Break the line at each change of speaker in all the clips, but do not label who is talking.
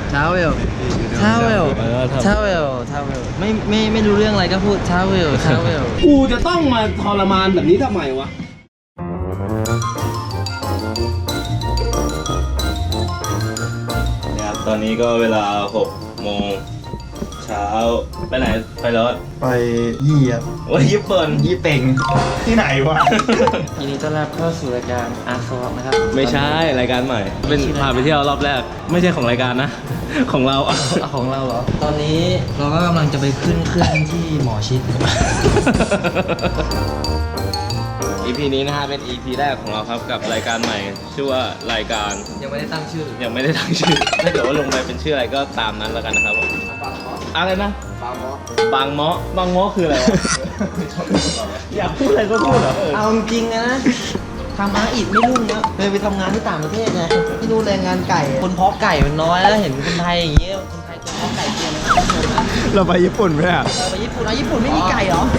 ทราเวลไม่รู้เรื่องอะไรก็พูดทราเวล
กูจะต้องมาทรมานแบบนี้ทำไมวะ
นะครับตอนนี้ก็เวลา6 โมงเช้าไปไหนไปรถ
ไปยี่ครับ
ว่าญี่ปุ่น
ยี่เป่งที่ไหนวะ
ยินดีต้อนรับเข้าสู่รายการอาร์ซอฟนะครับ
ไม่ใช่รายการใหม่เป็นพาไปเที่ยวรอบแรกไม่ใช่ของรายการนะ ของเราอ่ะ
ของเราเหรอตอนนี้เราก็กำลังจะไปขึ้นเครื่องที่หมอชิด
EP นี้นะฮะเป็น EP แรกของเราครับกับรายการใหม่ ชื่อว่ารายการ
ยังไม่ได้ตั้งชื่อ
ยังไม่ได้ตั้งชื่อถ้าเกิดว่าลงไปเป็นชื่ออะไรก็ตามนั้นแล้วกันนะครับผมอะไรนะบางเมาะคืออะไรวะ อยากพูดอะไรก็พูดเหรอ
เอาจริงๆนะทำอาอิดไม่รุ่งนะเลยไปทำงานที่ต่างประเทศไงที่นู่นแรงงานไก่ คนเพาะไก่มันน้อยแล้วเห็นคนไทยอย่างเงี้ยคนไทยคนเพาะไก่เก่งนะ
เราไปญี่ปุ่นไหมอ่ะ
ไปญี่ปุ่นญี่ปุ่นไม่มีไก่เหรอ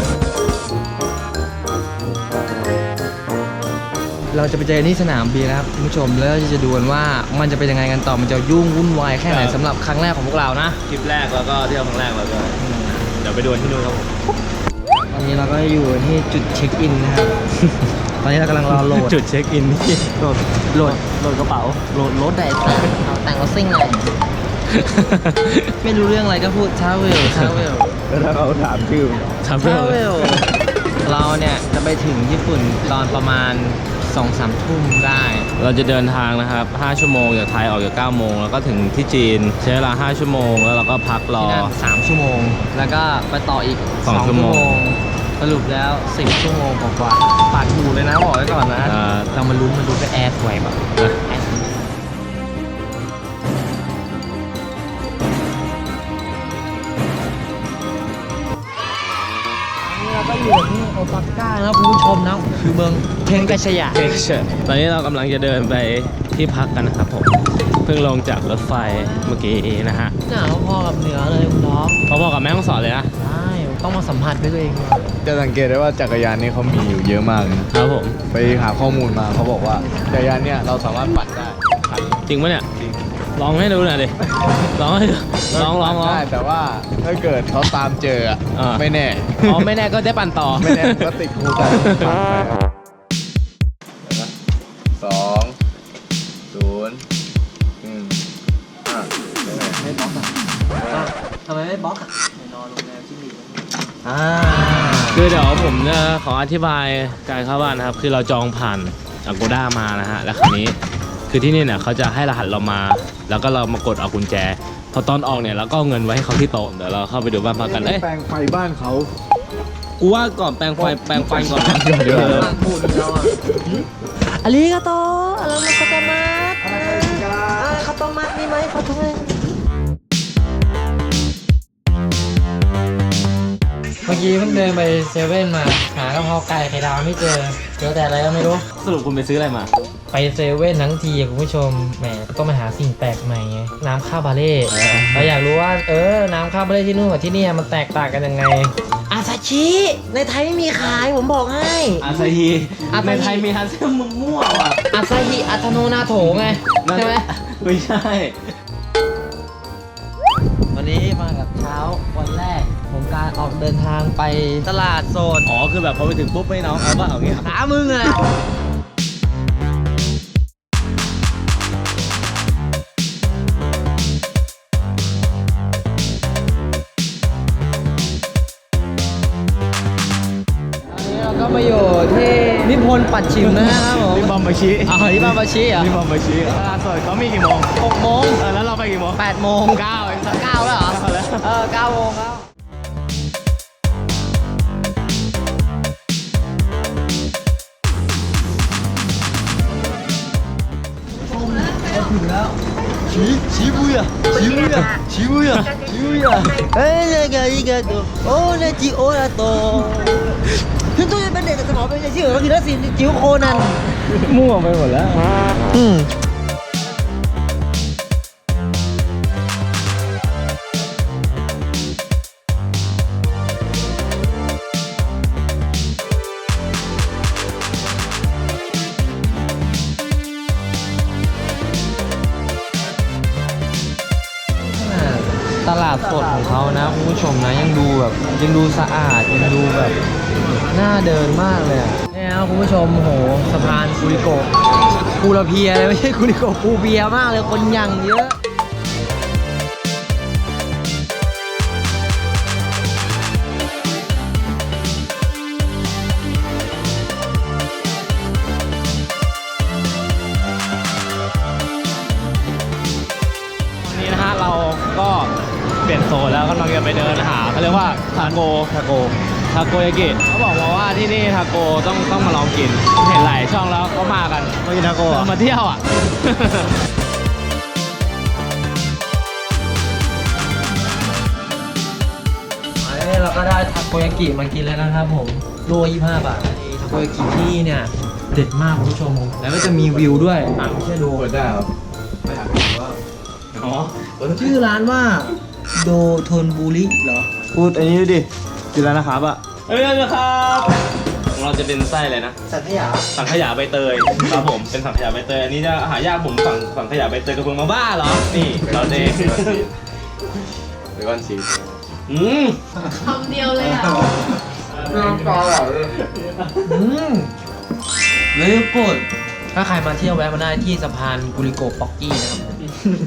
เราจะไปเจอที่สนามบินนะครับคุณผู้ชมแล้วจะดูกันว่ามันจะเป็นยังไงกันต่อมันจะยุ่งวุ่นวายแค่ไหนสำหรับครั้งแรกของพวกเรานะ
คลิปแรกแล้วก็เที่ยวครั้งแรกแล้วก็เดี๋ยวไปดูที่นู่นครับผม
ตอนนี้เราก็อยู่ที่จุดเช็คอินนะครับ ตอนนี้เรากำลังรอโหลด
จุดเช็คอินที่โหลดกระเป๋า
โหลดรถได้เอาแต่งรถซิ่งหน่อย ไม่รู้เรื่องอะไรก็พูดทราเวล
แล้วถ้าเขาถามชื่อ
ทำ
ทราเวลเราเนี่ยจะไปถึงญี่ปุ่นตอนประมาณ 2-3 ทุ่มได้
เราจะเดินทางนะครับ5 ชั่วโมงจากไทยออกจาก9 โมงแล้วก็ถึงที่จีนใช้เวลา5 ชั่วโมงแล้วเราก็พักรอ
ที่นั่น3 ชั่วโมง แล้วก็ไปต่ออีก
2
2 ชั่วโมง สรุปแล้ว10 ชั่วโมงกว่าๆผ่านหูเลยนะบอกไว้ก่อนนะ เรามาลุ้นไปแอร์สวยแบบแอร์เราก็อยู่ที่โอซาก้านะคุณผู้ชมนะคือเมืองเทนกาชยะ
ตอนนี้เรากำลังจะเดินไปที่พักกันนะครับผมเพิ่งลงจากรถไฟเมื่อกี้นะฮะ
หนาวพอกับเหนือเลยคุณท็อป
พอๆกับแม่ฮ่องสอนเลยนะ
ใช่ต้องมาสัมผัสด้วยตัวเอง
จะสังเกตได้ว่าจักรยานนี่เขามีอยู่เยอะมากเลยนะครับ
ผม
ไปหาข้อมูลมาเขาบอกว่าจักรยานเนี่ยเราสามารถปั่นได้คัน
จริงปะเนี่ย
จริง
ลองให้ดูหน่อยดิลองให้ดูลอง
ได้แต่ว่าถ้าเกิดเขาตามเจออะ
อ่า
ไม่แน่
อ๋อไม่แน่ก็ได้ปั่นต่อ
ไม่แน่ก็ติดคุกกันปั่นไป2 0
ไม่บล็อกอ่ะทำไมไม่บล็อกอ่ะไปนอนโรงแรมที่มี
คือเดี๋ยวผมจะขออธิบายการเข้าบ้านนะครับคือเราจองผ่าน Agoda มานะฮะแล้วคราวนี้คือที่นี่เนี่ยเขาจะให้รหัสเรามา แล้วก็เรามากดเอากุญแจพอตอนออกเนี่ยเราก็เอาเงินไว้ให้เขาที่โต๊ะเดี๋ยวเราเข้าไปดูบ้านพักกันเอ้ย
แปลงไฟบ้านเขา
กูว่าก่อนแปรงไฟก่อนนะ
เดี๋ยว
พูดแล้วอ่ะอาริกาโตอะไรมาคาโตมัสคาโตมัสมีไหมขอโทษเมื่อกี้เพิ่งเดินไปเซเว่นมาหากะเพราไก่ไข่ดาวไม่เจอแต่อะไรก็ไม่รู้
สรุปคุณไปซื้ออะไรมา
ไปเซเว่นทั้งทีคุณผู้ชมแหมต้องมาหาสิ่งแปลกใหม่ไงน้ำข้าวบาเล่เราอยากรู้ว่าน้ำข้าวบาเล่ที่นู่นกับที่นี่มันแตกต่างกันยังไงอาซาชิในไทยไม่มีขายผมบอกให้
อาซาฮีในไทยมีฮันเซลมึงมั่วว่ะ
อาซาฮิอัตโนนาโถไงใช่ไหม
ไม่ใช่
วันนี้มากับเช้าวันแรกของการออกเดินทางไปตลาดโซน
อ๋อคือแบบพอไปถึงปุ๊บไม่น้องเอาว่าเอางี้
หามึงเลยเราก็มาอยู่ที่นิพนธ์ปัดชิมนะครับผม
ที่บอมบาชิ
ที่บ้านบาชิเหรอ
ที่บอมบาชิตลาดสดเขามีกี่โมง
6 โมง
แล้วเราไปกี่โมง
8 โมง
9เอง
9แล้วเหรอ
9แล้ว
9 โมงแล้วถึงแล้วชิบุย่าเอ้ยเนี่ยไงตัวโอ้เนี่ยจิโอระโตถึงตัวจะเป็นเด็กแต่สมองเป็นชื่อเขาคือนักศิลป์จิ๋วโคนัน
มั่วไปหมดแล้ว
ตตลาดสดของเขานะคุณผู้ชมนะยังดูแบบยังดูสะอาดยังดูแบบน่าเดินมากเลยอะเนี่ยนะคุณผู้ชมโหสะพานกูริโกะกูระเพียเลยไม่ใช่กูริโกะกูเบียมากเลยคนยังเยอะ
นี่นะฮะเราก็เปลี่ยนโซนแล้วกำลังจะไปเดินหาเขาเรียกว่าทาโกยากิเขาบอกมาว่าที่นี่ทาโกต้องมาลองกินเห็นหลายช่องแล้วเขามากันมากินทาโกมาเที่ยวอ่ะ
เราก็ได้ทาโกยากิมากินแล้วนะครับผมโล25 บาททาโกยากิที่นี่เนี่ยเด็ดมากคุณผู้ชมแล้วก็จะมีวิวด้วยไม่ใช่โล
เปิดได้ครับไม่อยากรู้ว่า
อ๋อ
ชื่อร้านว่าโดโทนบุริเหรอ
พูดอันนี้ดิกินแล้วนะครับอ่ะเอ้ยนะครับของเราจะเป็นไส้เลยนะ
สัตยา
สังขยาใบเตยครับผมเป็นสังขยาใบเตยอันนี้จะหายากผมสังขยาใบเตยกระเบื้องมาบ้าเหรอนี่เราเอง
หรือวันชีส
คำเดียวเลยอ่ะ
อืมเลยกดถ้าใครมาเที่ยวแวะมาได้ที่สะพานกุริโกะป๊อกกี้นะครับผม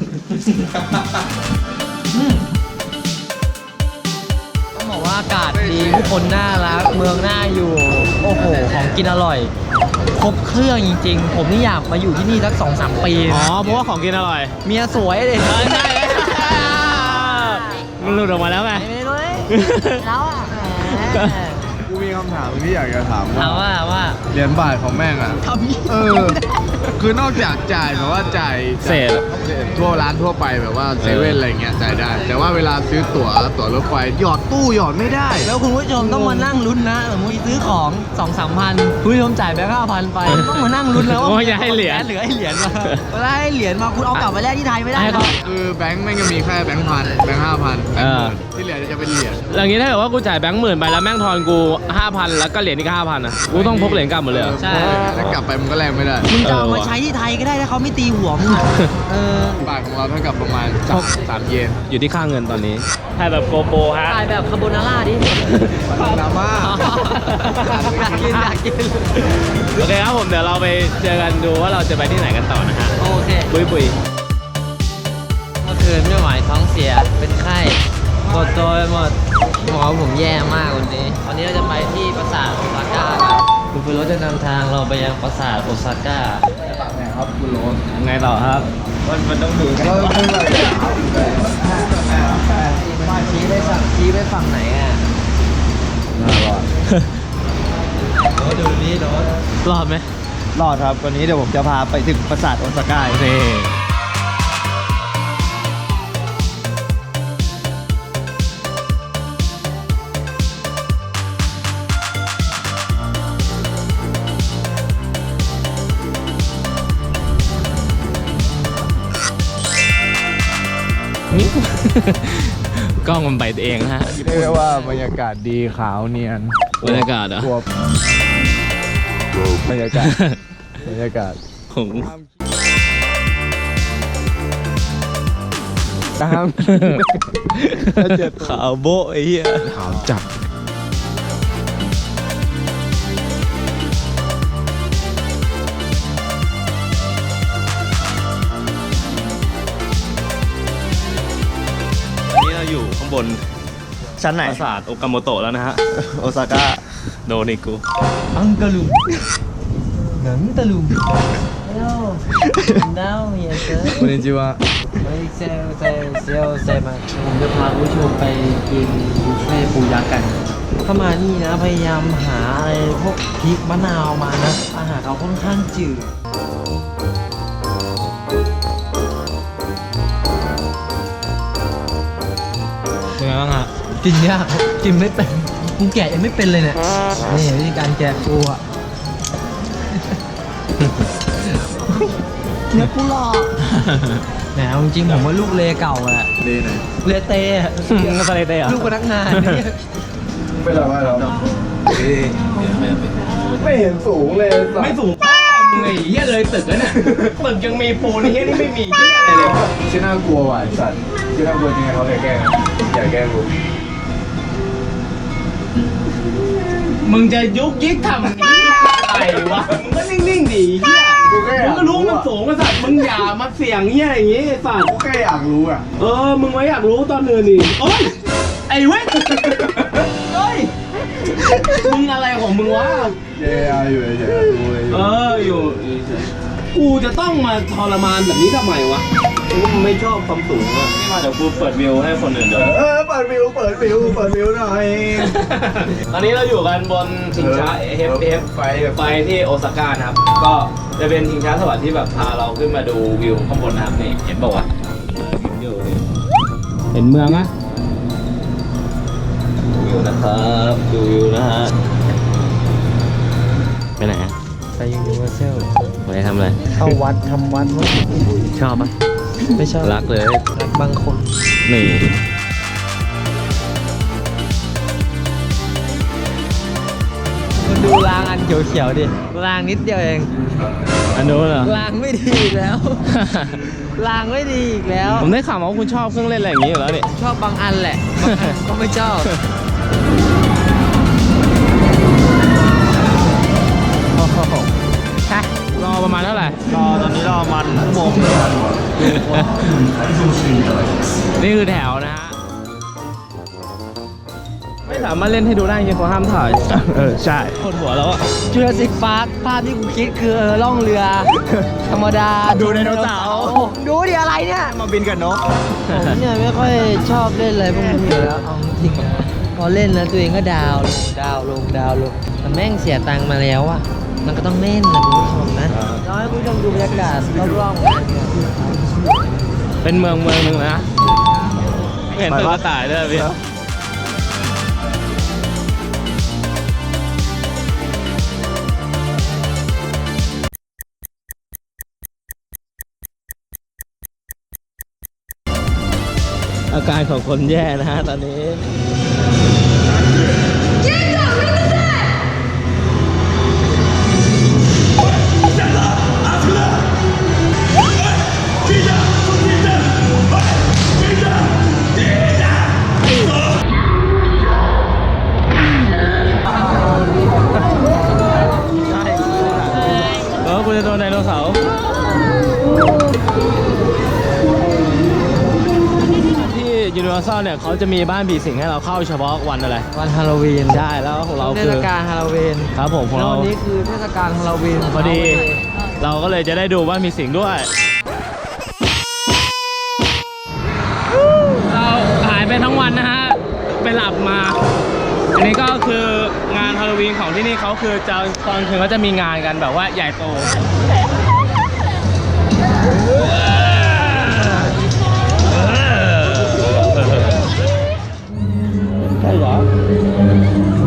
ต้องบอกว่าอากาศดีผู้คนน่ารักเมืองน่าอยู่โอ้โหของกินอร่อย ครบเครื่องจริงๆ ผมนี่อยากมาอยู่ที่นี่สัก 2-3 ปี
อ๋
นะ
อเพราะว่าของกินอร่อย
เมียสวยเลย
ใช่มันหลุดออกมาแล้วไง
ไม่ได้ด้วยแล้วอ่ะ
กูมีคำถามที่อยากจะถาม
ถามว่า
เหรียญบาทของแม่งอ่ะ
ทำยี่
คือนอกจากจ่ายแบบว่าจ่าย
เศษ
ทั่วร้านทั่วไปแบบว่าเซเว่นอะไรเงี้ยจ่ายได้ แต่ว่าเวลาซื้อตั๋วรถไฟหยอดตู้หยอดไม่ได้
แล้วคุณผู้ชมต้องมานั่งลุ้นนะสมมติซื้อของ 2-3 พันคุณผู้ชมจ่ายไป5,000 ไป ต้องมานั่งลุ้นแล้ว
ว่าจะให้เหรียญ
เหลือให้เหรียญมาเวลาให้เหรียญมาคุณเอากลับไปแลกที่ไทยไม่ได้
ให้
นะ
เขา
คือแบงค์แม่งจะมีแค่แบงค์พันแบงค์5,000แบงค์หมื่นที่เหลือจะเป็นเหรียญ
อย่างนี้ถ้าเกิดว่ากูจ่ายแบงค์10,000ไปแล้วแม่งทอนกู 5,000 แล้วก็เหรียญอีก 5,000อ่ะกูต้องพกเหรียญกลับหมดเลยเหรอ
ใช่
แล้วกลับไปมันก็แลกไม่ได้
มึงจะเอามาใช้ที่ไทยก็ได้ถ้าเขาไม่ตีหัวมึงอะเออบ
าทของเราเท่ากับประมาณ3เยน
อยู่ที่ค่าเงินตอนนี้ถ่ายแบบโกโปรฮะ
ถ่ายแบบคาโบนาร่าดิ
ดราม่า
อยากกิน
โอเคครับผมเดี๋ยวเราไปเจอกันดูว่าเราจะไปที่ไหนกันต่อนะฮะ
โอเค
บุยบุย
เมื่อคืนไม่ไหวท้องเสียเป็นไข้ปวดตัวไปหมดหมอผมแย่มากวันนี้เราจะไปที่ปราสาทโอซาก้าครับคุณฟิโรสจะนำทางเราไปยังปราสาทโอซาก้า
ครับคุณโรส
ไงต่อครับ
มันต้องดูกัน
ชี้ไปฝั่งไหนอ่ะ
น่ารอด
โน้ตดูนี่โน้ต
รอดไหม
รอดครับวันนี้เดี๋ยวผมจะพาไปถึงปราสาทโอซาก้า
โอเค กล้องมันไปเองนะฮะ
เรียกว่าบรรยากาศดีขาวเนียน
บรรยากาศเหรอ
กลัวบรรยากาศบรรยากาศ
ของ
ตาม
ขาวโบะไอ้เหี้ย
ขาวจัด
นี่เราอยู่ข้างบน
ชั้นไหน
ปราสาทโอกาโมโตะแล้วนะฮะ
โอซาก้า
โดนอีกกู
อังกะลุงหนังตะลุงฮัลโหลดาวเฮียเซอร์
คุณนิจิวะ
เซลมาผมจะพาคุณผู้ชมไปกินบุฟเฟ่ต์ปูยักษ์กัน เข้ามานี่นะพยายามหาอะไรพวกพริกมะนาวมานะ อาหารเขาค่อนข้างจืด
เป็นไงบ้างฮะ
กินยากครับกินไม่เป็นกูแกะยังไม่เป็นเลยเนี่ย นี่วิธีการแกะปูอ่ะ เนื้อปูหลอกแหมเอาจริงๆผมว่าลูกเลเก่าอะ
ดีหน่อย
เลเตอะ
ก็สไลเตอร์เหรอ
ลูกพนักงานเนี่ย
ไม่ละว่าเราไม่เห็นสูงเลย
ไม่สูงมึงไอ้เหี้ยเลยตึกแล้วเนี่ยตึกยังมีปูนไอ้เหี้ยนี่ไม่มีเหี้ยอะไรเลย
ชื่อน่ากลัวว่ะไอ้สัตว์ที่น่ากลัวจริงๆเขาแกล้งอย่าแกล้งกู
มึงจะยุกยิกทำอะไรวะ มึงก็นิ่งๆดิเฮีย
กูแค่อ
มึ
ยาง ก
ก็รู้มันสูงไอ้สัตว์มึงอย่ามาเสี่ยงเฮียอย่างงี้ไอ้สัตว์
กูแค่อยากรู้อ่ะ
มึงไว้อยากรู้ตอนอื่นนี่โอ้ย ไอ้เว้ยเฮ้ย มึงอะไรของมึงวะ
เจ๊อยู่เฉยๆกูเลย
อยู่กูจะต้องมาทรมานแบบนี้ทำไมวะกูไม่ชอบความสูงอะ
นี่มาเดี๋ยวกูเปิดวิวให้คนอื่นดู
เปิดวิวหน่อย
ตอนนี้เราอยู่กันบนชิงช้า FF ไฟที่โอซาก้านะครับ ก็จะเป็นชิงช้าสวรรค์ที่แบบพาเราขึ้นมาดูวิวข้างบนนะครับนี่เห็นบอกว่าเห็นเมืองอะวิวนะครับดูวิวนะฮะไปไหนอะ
ไปยูนิเวอร์แซล
ไปทำอะไร
เข้าวัดทำวัดมั้ง
ชอบปะ
ไม่ชอบ
รักเลย
รักบางคน
นี่
คุณดูรางอันเขียวๆดิรางนิดเดียวเอง
อันนู้นเหรอ
รางไม่ดีอีกแล้ว รางไม่ดีอีกแล้ว
ผมได้ข่าวมาว่าคุณชอบเครื่องเล่นอะไรอย่างนี้อยู่แล้วนี่
ชอบบางอันแหละบางอันก็ไม่ชอบ
รอประมาณเท่าไหร่
ตอนนี้รอมันชั่วโมง
นี่คือแถวนะฮะ ไม่สามารถเล่นให้ดูได้จริงเขาห้ามถ่าย
ใช่
ปวดหัวแล้วอะ
จูราสสิกพาร์คภาพที่กูคิดคือล่องเรือ ธรรมดา
ดูไดโนเสาร์
ดูดิอะไรเนี่ย
มาบินกับนก
ผมเนี่ยไม่ค่อยชอบเล่นอะไรพวกนี้อยู่แล้วเอาจริงนะพอเล่นแล้วตัวเองก็ดาวลงดาวลงดาวลงแต่แม่งเสียตังค์มาแล้วอะมันก็ต้องเล่นนะคุณผู้ชมนะเราให้คุณผู้ชมดูบรรยากาศรอบๆงานเนี่ย
เป็นเมืองหนึ่งนะไม่เห็นตึกกระต่ายด้วยพี่ อาการของคนแย่นะฮะตอนนี้ คุณจะโดนไดโนเสาร์ที่ยูนิเวอร์แซลเนี่ยเขาจะมีบ้านผีสิงให้เราเข้าเฉพาะวันอะไร
วันฮาโลวีน
ใช่แล้วของเรา
เท
คือ
ศกาลฮาโลวีน
ครับผมของ
แล้ว
เรา
วันนี้คือเทศกาลฮาโลวีน
พอดี เราก็เลยจะได้ดูบ้านผีสิงด้วย เราหายไปทั้งวันนะฮะ ไปหลับมา อันนี้ก็คืองานฮาโลวีนของที่นี่เขาคือจะตอนคืนเขาจะมีงานกันแบบว่าใหญ่โต ใช่เหรอ